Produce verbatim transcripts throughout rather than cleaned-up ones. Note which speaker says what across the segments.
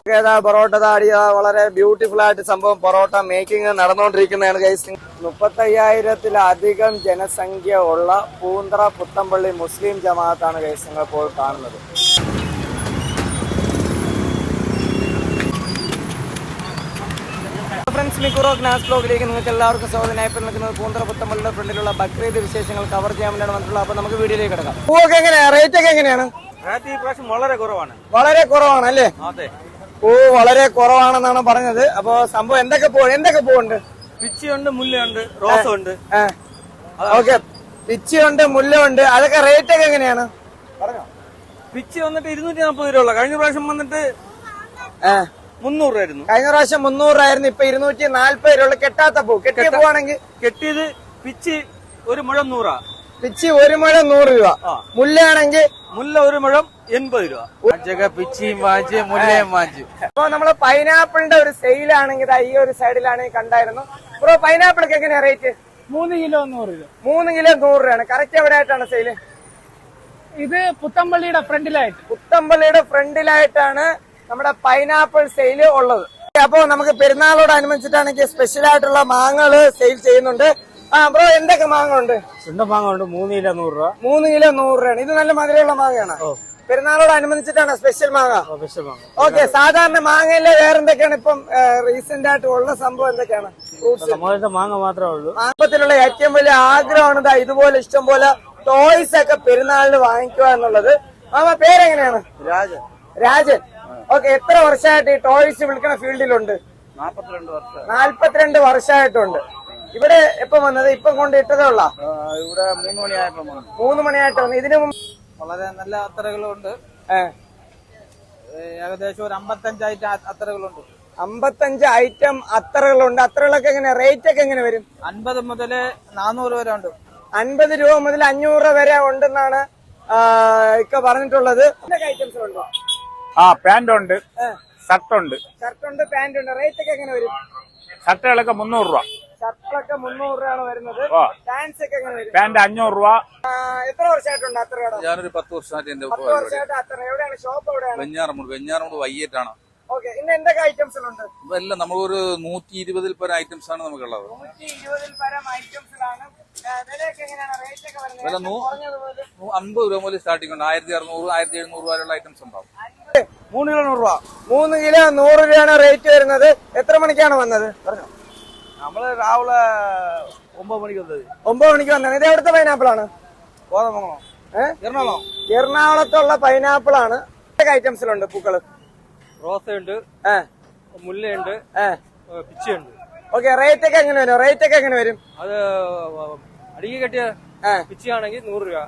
Speaker 1: പൊറോട്ട താടിയ വളരെ ബ്യൂട്ടിഫുൾ ആയിട്ട് സംഭവം പൊറോട്ട മേക്കിംഗ് നടന്നുകൊണ്ടിരിക്കുന്നതാണ് ഗൈസ്. മുപ്പത്തയ്യായിരത്തിലധികം ജനസംഖ്യ ഉള്ള പൂന്തറ പുത്തമ്പള്ളി മുസ്ലിം ജമാഅത്താണ് ഗൈസ് നിങ്ങൾ ഇപ്പോൾ കാണുന്നത്. ഫ്രണ്ട്സ്, മിക്കുറോ ഗ്നാസ് ബ്ലോഗിലേക്ക് നിങ്ങൾക്ക് എല്ലാവർക്കും സ്വാഗതം. ഇപ്പോൾ നിൽക്കുന്നത് പൂന്തറ പുത്തമ്പള്ളിയുടെ ഫ്രണ്ടിലുള്ള ബക്രീദ് വിശേഷങ്ങൾ കവർ ചെയ്യാൻ വേണ്ടിയാണ് വന്നിട്ടുള്ളത്. അപ്പൊ നമുക്ക് വീഡിയോയിലേക്ക് കിടക്കാം. പൂവൊക്കെ എങ്ങനെയാണ്, റേറ്റ് ഒക്കെ എങ്ങനെയാണ്?
Speaker 2: വളരെ കുറവാണ്.
Speaker 1: വളരെ കുറവാണ് അല്ലേ? പൂ വളരെ കുറവാണെന്നാണ് പറഞ്ഞത്. അപ്പൊ സംഭവം എന്തൊക്കെ പൂ എന്തൊക്കെ പൂവുണ്ട്?
Speaker 2: പിച്ചിയുണ്ട്, മുല്ലയുണ്ട്, റോസും ഉണ്ട്.
Speaker 1: ഓക്കെ, പിച്ചിയുണ്ട്, മുല്ല ഉണ്ട്. അതൊക്കെ റേറ്റ് ഒക്കെ എങ്ങനെയാണ് പറഞ്ഞോ?
Speaker 2: പിച്ചി വന്നിട്ട് ഇരുന്നൂറ്റി നാൽപ്പത് രൂപ ഉള്ള. കഴിഞ്ഞ പ്രാവശ്യം വന്നിട്ട് മുന്നൂറ് രൂപയായിരുന്നു.
Speaker 1: കഴിഞ്ഞ പ്രാവശ്യം മുന്നൂറായിരുന്നു, ഇപ്പൊ ഇരുന്നൂറ്റി നാല്പത് രൂപ. കെട്ടാത്ത പൂ, കെട്ടിയ പൂവാണെങ്കിൽ
Speaker 2: കെട്ടിയത് പിച്ചി ഒരു മുഴം നൂറാ.
Speaker 1: പിച്ചി ഒരു മുഴം നൂറ് രൂപ. മുല്ലയാണെങ്കിൽ
Speaker 2: മുല്ല ഒരു മുഴം എൺപത് രൂപ. പിച്ചിയും വാങ്ങിച്ച് മുല്ലയും വാങ്ങിച്ചു.
Speaker 1: അപ്പൊ നമ്മള് പൈനാപ്പിളിന്റെ ഒരു സെയിലാണെങ്കിൽ ഈ ഒരു സൈഡിലാണെങ്കിൽ കണ്ടായിരുന്നു. ബ്രോ, പൈനാപ്പിളൊക്കെ എങ്ങനെയാ റേറ്റ്?
Speaker 3: മൂന്ന് കിലോ നൂറ് രൂപ.
Speaker 1: മൂന്ന് കിലോ നൂറ് രൂപയാണ്. കറക്റ്റ് എവിടെ ആയിട്ടാണ് സെയില്?
Speaker 3: ഇത് പുത്തമ്പള്ളിയുടെ ഫ്രണ്ടിലായിട്ട്
Speaker 1: പുത്തമ്പള്ളിയുടെ ഫ്രണ്ടിലായിട്ടാണ് നമ്മുടെ പൈനാപ്പിൾ സെയില് ഉള്ളത്. അപ്പൊ നമുക്ക് പെരുന്നാളോടനുബന്ധിച്ചിട്ടാണെങ്കിൽ സ്പെഷ്യൽ ആയിട്ടുള്ള മാങ്ങകള് സെയിൽ ചെയ്യുന്നുണ്ട്. ആ ബ്രോ, എന്തൊക്കെ മാങ്ങ ഉണ്ട്?
Speaker 2: മാങ്ങ ഉണ്ട്, മൂന്ന് കിലോ നൂറ് രൂപ.
Speaker 1: മൂന്ന് കിലോ നൂറ് രൂപയാണ്. ഇത് നല്ല മധുരമുള്ള മാങ്ങയാണ്. പെരുന്നാളോടനുബന്ധിച്ചിട്ടാണ് സ്പെഷ്യൽ മാങ്ങ. ഓക്കെ, സാധാരണ മാങ്ങയിലെ വേറെ എന്തൊക്കെയാണ് ഇപ്പം റീസെന്റ് ആയിട്ട് ഉള്ള സംഭവം? എന്തൊക്കെയാണ്? ഫ്രൂട്ട്സ്
Speaker 2: മാങ്ങ മാത്രമേ ഉള്ളൂ.
Speaker 1: മാങ്ങത്തിലുള്ള ഏറ്റവും വലിയ ആഗ്രഹമാണ് ഇതുപോലെ ഇഷ്ടം പോലെ ടോയ്സ് ഒക്കെ പെരുന്നാളിന് വാങ്ങിക്കുക എന്നുള്ളത്. മാമ പേരെങ്ങനെയാണ്?
Speaker 2: രാജൻ.
Speaker 1: രാജൻ. ഓക്കെ, എത്ര വർഷമായിട്ട് ഈ ടോയ്സ് വിൽക്കുന്ന ഫീൽഡിലുണ്ട്?
Speaker 2: നാപ്പത്തിരണ്ട് വർഷം.
Speaker 1: നാല്പത്തിരണ്ട് വർഷമായിട്ടുണ്ട്. ഇവിടെ എപ്പം വന്നത്? ഇപ്പം കൊണ്ട് ഇട്ടതേ ഉള്ള?
Speaker 2: ഇവിടെ മൂന്ന് മണിയായപ്പോ
Speaker 1: മൂന്ന് മണിയായിട്ട് വന്നു. ഇതിനു മുമ്പ്
Speaker 2: വളരെ നല്ല അത്തറകളുണ്ട്. ഏകദേശം ഒരു അമ്പത്തഞ്ച് ഐറ്റം അത്തറകളുണ്ട്.
Speaker 1: അമ്പത്തഞ്ച് ഐറ്റം അത്തറകളുണ്ട്. അത്തറകളൊക്കെ എങ്ങനെ റേറ്റ് ഒക്കെ എങ്ങനെ വരും?
Speaker 2: അൻപത് മുതല് നാനൂറ് വരെ ഉണ്ട്.
Speaker 1: അൻപത് രൂപ മുതൽ അഞ്ഞൂറ് രൂപ വരെ ഉണ്ടെന്നാണ് ഇക്ക പറഞ്ഞിട്ടുള്ളത്. എന്തൊക്കെ ഐറ്റംസ് ഉണ്ടോ?
Speaker 4: ആ, പാന്റ് ഉണ്ട്, ഷർട്ട് ഉണ്ട്.
Speaker 1: ഷർട്ട് ഉണ്ട്, പാന്റ് ഉണ്ട്. റേറ്റ് ഒക്കെ എങ്ങനെ വരും?
Speaker 4: ഷർട്ടുകളൊക്കെ മുന്നൂറ് രൂപ.
Speaker 1: ഷർട്ടൊക്കെ മുന്നൂറ് രൂപയാണ് വരുന്നത്. പാന്റ്സ് ഒക്കെ എങ്ങനെ വരും?
Speaker 4: പാന്റ് അഞ്ഞൂറ് രൂപ.
Speaker 1: എത്ര വർഷമായിട്ടുണ്ട് അത്ര?
Speaker 5: ഞാനൊരു പത്ത് വർഷമായിട്ട് എന്റെ
Speaker 1: പത്ത് വർഷമായിട്ട് അത്ര. എവിടെയാണ് ഷോപ്പ്? എവിടെയാണ്?
Speaker 5: വെഞ്ഞാറമൂട്. വെഞ്ഞാറമൂട് വൈകിട്ടാണ്.
Speaker 1: ഓക്കെ, ഇന്ന് എന്തൊക്കെ ഐറ്റംസിലുണ്ട്?
Speaker 5: എല്ലാം നമ്മളൊരു നൂറ്റി ഇരുപതിൽ പരം ഐറ്റംസ് ആണ് നമുക്കുള്ളത്.
Speaker 1: നൂറ്റി ഇരുപതിൽ പരം ഐറ്റംസിലാണ്. വിലയൊക്കെ എങ്ങനെയാണ്? റേറ്റ് ഒക്കെ വരുന്നത്?
Speaker 5: അമ്പത് രൂപ മുതൽ സ്റ്റാർട്ടിംഗ് ഉണ്ട്. ആയിരത്തി അറുന്നൂറ് ആയിരത്തി എഴുന്നൂറ് വരെയുള്ള ഐറ്റംസ് ഉണ്ടാവും.
Speaker 1: മൂന്ന് കിലോ നൂറ് രൂപ. മൂന്ന് കിലോ നൂറ് രൂപയാണ് റേറ്റ് വരുന്നത്. എത്ര മണിക്കാണ് വന്നത് പറഞ്ഞോ?
Speaker 2: നമ്മള് രാവിലെ ഒമ്പത് മണിക്ക് വന്നത്.
Speaker 1: ഒമ്പത് മണിക്ക് വന്നത്. ഇത് എവിടുത്തെ പൈനാപ്പിൾ ആണ്?
Speaker 2: കോതമംഗലം. എറണാകുളം.
Speaker 1: എറണാകുളത്തുള്ള പൈനാപ്പിൾ ആണ്. എന്തൊക്കെ ഐറ്റംസിലുണ്ട് പൂക്കള്?
Speaker 2: റോസയുണ്ട്, മുല്ലയുണ്ട്, പിച്ചിയുണ്ട്.
Speaker 1: ഓക്കെ, റേറ്റ് ഒക്കെ എങ്ങനെ വരും? റേറ്റ് ഒക്കെ എങ്ങനെ വരും?
Speaker 2: അത് അടിക്ക് കെട്ടിയ പിച്ചിയാണെങ്കിൽ നൂറ് രൂപ.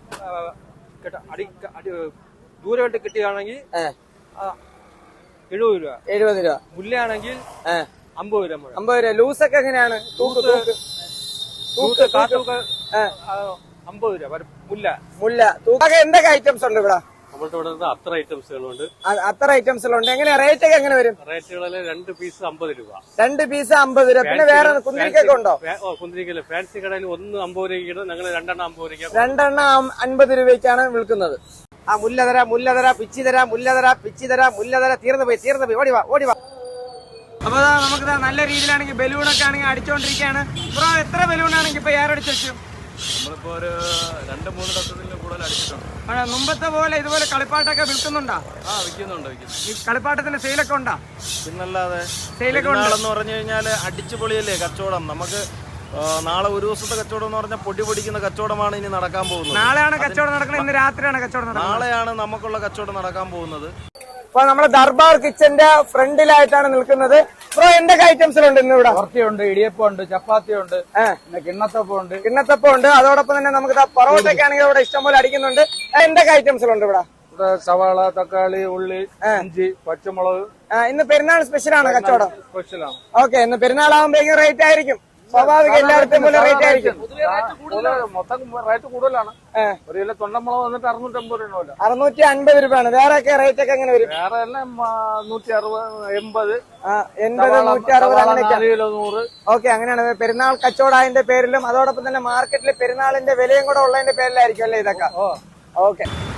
Speaker 2: ദൂരമായിട്ട് കിട്ടിയാണെങ്കിൽ എഴുപത് രൂപ.
Speaker 1: എഴുപത് രൂപ.
Speaker 2: മുല്ലയാണെങ്കിൽ അമ്പത് രൂപ.
Speaker 1: അമ്പത് രൂപ. ലൂസൊക്കെ എങ്ങനെയാണ്? തൂക്ക് തൂക്ക്
Speaker 2: തൂക്ക് കാത്തൂക്ക് അമ്പത് രൂപ. മുല്ല
Speaker 1: മുല്ല തൂക്കൊക്കെ എന്തൊക്കെ ഐറ്റംസ് ഉണ്ട് ഇവിടെ?
Speaker 2: നമ്മളുടെ ഇവിടെ അത്ര ഐറ്റംസുകളുണ്ട്.
Speaker 1: അത്ര ഐറ്റംസിലുണ്ട്. എങ്ങനെയാ റേറ്റ് ഒക്കെ എങ്ങനെ വരും?
Speaker 2: റേറ്റുകളിൽ രണ്ട് പീസ് അമ്പത് രൂപ.
Speaker 1: രണ്ട് പീസ് അമ്പത് രൂപ. പിന്നെ വേറെ കുന്തിരിക്കൊക്കെ ഉണ്ടോ?
Speaker 2: കുന്തിരിക്കല് ഫാൻസി കടയിൽ ഒന്ന് അമ്പത് രൂപയ്ക്ക്, ഞങ്ങൾ രണ്ടെണ്ണം അമ്പത് രൂപ.
Speaker 1: രണ്ടെണ്ണം അൻപത് രൂപയ്ക്കാണ് വിൽക്കുന്നത്. ആ മുല്ല തരാ, മുല്ല തരാ, പിച്ചി തരാ, മുല്ല തരാ, പിച്ചി തരാ, മുല്ല തരാ. തീർന്നു പോയി, തീർന്നു പോയി. ഓടിവാ, ഓടിവാ. അപ്പൊ നമുക്ക് നല്ല രീതിയിലാണെങ്കിൽ ബലൂണൊക്കെ ആണെങ്കിൽ അടിച്ചോണ്ടിരിക്കുകയാണ്. ബ്രോ, എത്ര ബലൂണാണെങ്കിൽ ഇപ്പൊ ഏറടിച്ചു വെച്ചു?
Speaker 2: നമ്മളിപ്പോ ഒരു രണ്ട് മൂന്ന് ഡസണിൽ കൂടുതൽ അടിച്ചിട്ടുണ്ട്.
Speaker 1: മുമ്പത്തെ പോലെ ഇതുപോലെ കളിപ്പാട്ടൊക്കെ വിൽക്കുന്നുണ്ടോ?
Speaker 2: ആ, വിൽക്കുന്നുണ്ട്.
Speaker 1: ഈ കളിപ്പാട്ടത്തിന്റെ സെയിലൊക്കെ ഉണ്ടോ?
Speaker 2: പിന്നല്ലാതെ.
Speaker 1: സെയിലൊക്കെ
Speaker 2: എന്ന് പറഞ്ഞു കഴിഞ്ഞാല് അടിച്ചുപൊളിയല്ലേ കച്ചവടം. നമുക്ക് നാളെ ഒരു ദിവസത്തെ കച്ചവടം എന്ന് പറഞ്ഞാൽ പൊടി പൊടിക്കുന്ന കച്ചവടമാണ് ഇനി നടക്കാൻ പോകുന്നത്.
Speaker 1: നാളെയാണ് കച്ചവടം നടക്കുന്നത്. ഇന്ന് രാത്രിയാണ് കച്ചവടം നടക്കുന്നത്.
Speaker 2: നാളെയാണ് നമുക്കുള്ള കച്ചവടം നടക്കാൻ പോകുന്നത്.
Speaker 1: അപ്പൊ നമ്മള് ദർബാർ കിച്ചന്റെ ഫ്രണ്ടിലായിട്ടാണ് നിൽക്കുന്നത്. ബ്രോ, എന്തൊക്കെ ഐറ്റംസിലുണ്ട് ഇന്ന് ഇവിടെ?
Speaker 4: കുറച്ചുണ്ട്, ഇടിയപ്പം ഉണ്ട്, ചപ്പാത്തി ഉണ്ട്, പിന്നെ കിണ്ണത്തപ്പം ഉണ്ട്.
Speaker 1: കിണ്ണത്തപ്പം ഉണ്ട്. അതോടൊപ്പം തന്നെ നമുക്ക് പൊറോട്ടൊക്കെ ആണെങ്കിൽ ഇവിടെ ഇഷ്ടംപോലെ അടിക്കുന്നുണ്ട്. എന്തൊക്കെ ഐറ്റംസിലുണ്ട് ഇവിടെ?
Speaker 4: ഇവിടെ സവാള, തക്കാളി, ഉള്ളി, ഇഞ്ചി, പച്ചമുളക്.
Speaker 1: ഇന്ന് പെരുന്നാൾ സ്പെഷ്യലാണ് കച്ചവടം.
Speaker 4: സ്പെഷ്യലാണ്.
Speaker 1: ഓക്കെ, ഇന്ന് പെരുന്നാളാകുമ്പോഴേക്കും റേറ്റ് ആയിരിക്കും. സ്വാഭാവിക എല്ലായിടത്തും പോലെ റേറ്റ് ആയിരിക്കും.
Speaker 4: മൊത്തം റേറ്റ് കൂടുതലാണ്. ഒരു കിലോ തൊണ്ടമുളക് വന്നിട്ട് അറുന്നൂറ്റമ്പത് രൂപ.
Speaker 1: അറുന്നൂറ്റി അൻപത് രൂപയാണ്. വേറെ ഒക്കെ റേറ്റ് ഒക്കെ എങ്ങനെ വരും?
Speaker 4: വേറെ എല്ലാം നൂറ്റി അറുപത്, എൺപത്,
Speaker 1: എൺപത്, നൂറ്റി അറുപത് അങ്ങനെയൊക്കെ.
Speaker 4: കിലോ നൂറ്.
Speaker 1: ഓക്കെ, അങ്ങനെയാണ്. പെരുന്നാൾ കച്ചവടത്തിന്റെ പേരിലും അതോടൊപ്പം തന്നെ മാർക്കറ്റിൽ പെരുന്നാളിന്റെ വിലയും കൂടെ ഉള്ളതിന്റെ പേരിലായിരിക്കും അല്ലേ ഇതൊക്കെ? ഓക്കെ.